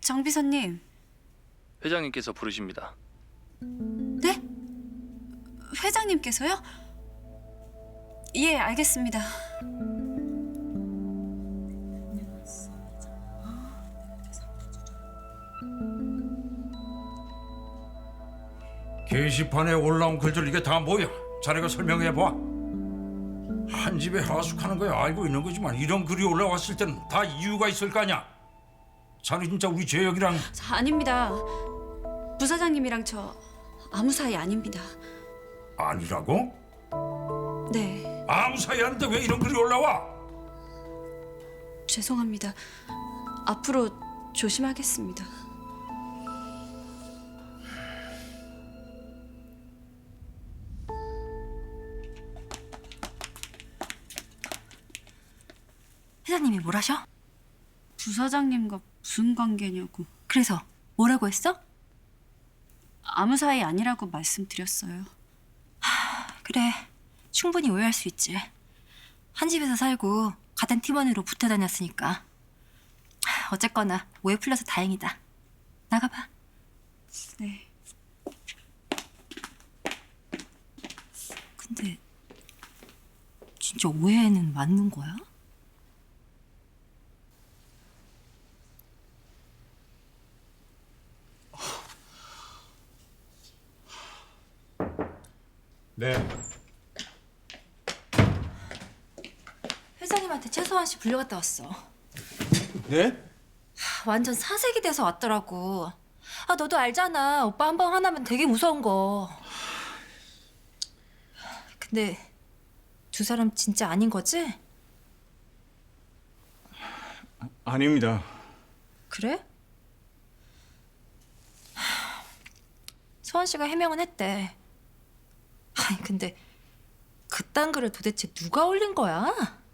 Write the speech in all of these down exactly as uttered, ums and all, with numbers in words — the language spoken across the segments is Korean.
정 비서님. 회장님께서 부르십니다. 네? 회장님께서요? 예, 알겠습니다. 게시판에 올라온 글들 이게 다 뭐야? 자네가 설명해봐. 한 집에 하숙하는 거야 알고 있는 거지만 이런 글이 올라왔을 때는 다 이유가 있을 거 아니야. 자네 진짜 우리 재혁이랑 자, 아닙니다. 부사장님이랑 저 아무 사이 아닙니다. 아니라고? 네, 아무 사이 아닌데 왜 이런 글이 올라와? 죄송합니다. 앞으로 조심하겠습니다. 회장님이 뭘 하셔? 부사장님과 무슨 관계냐고. 그래서 뭐라고 했어? 아무 사이 아니라고 말씀드렸어요. 그래, 충분히 오해할 수 있지. 한 집에서 살고 같은 팀원으로 붙어 다녔으니까. 하, 어쨌거나 오해 풀려서 다행이다. 나가봐. 네. 근데 진짜 오해는 맞는 거야? 네. 회장님한테 최소한 씨 불려갔다 왔어. 네? 하, 완전 사색이 돼서 왔더라고. 아, 너도 알잖아. 오빠 한 번 화나면 되게 무서운 거. 근데 두 사람 진짜 아닌 거지? 아닙니다. 그래? 하, 소원 씨가 해명은 했대. 아니 근데 그딴 글을 도대체 누가 올린 거야?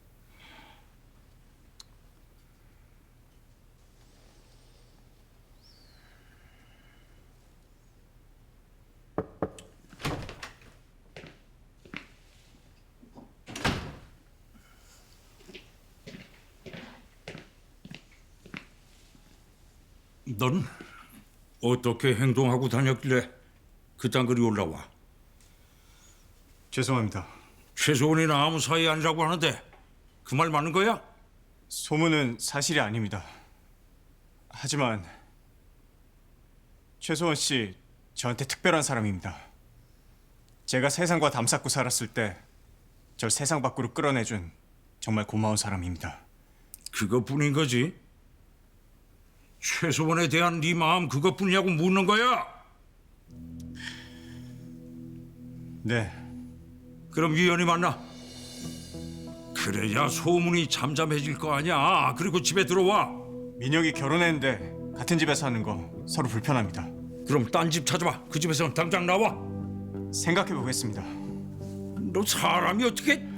넌 어떻게 행동하고 다녔길래 그딴 글이 올라와? 죄송합니다. 최소원이나 아무 사이 아니라고 하는데 그 말 맞는 거야? 소문은 사실이 아닙니다. 하지만 최소원 씨 저한테 특별한 사람입니다. 제가 세상과 담쌓고 살았을 때 절 세상 밖으로 끌어내준 정말 고마운 사람입니다. 그것뿐인 거지? 최소원에 대한 네 마음 그것뿐이냐고 묻는 거야? 네. 그럼 위원이 만나. 그래야 소문이 잠잠해질 거 아니야. 그리고 집에 들어와. 민혁이 결혼했는데 같은 집에 사는 거 서로 불편합니다. 그럼 딴 집 찾아봐. 그 집에서 당장 나와. 생각해 보겠습니다. 너 사람이 어떻게...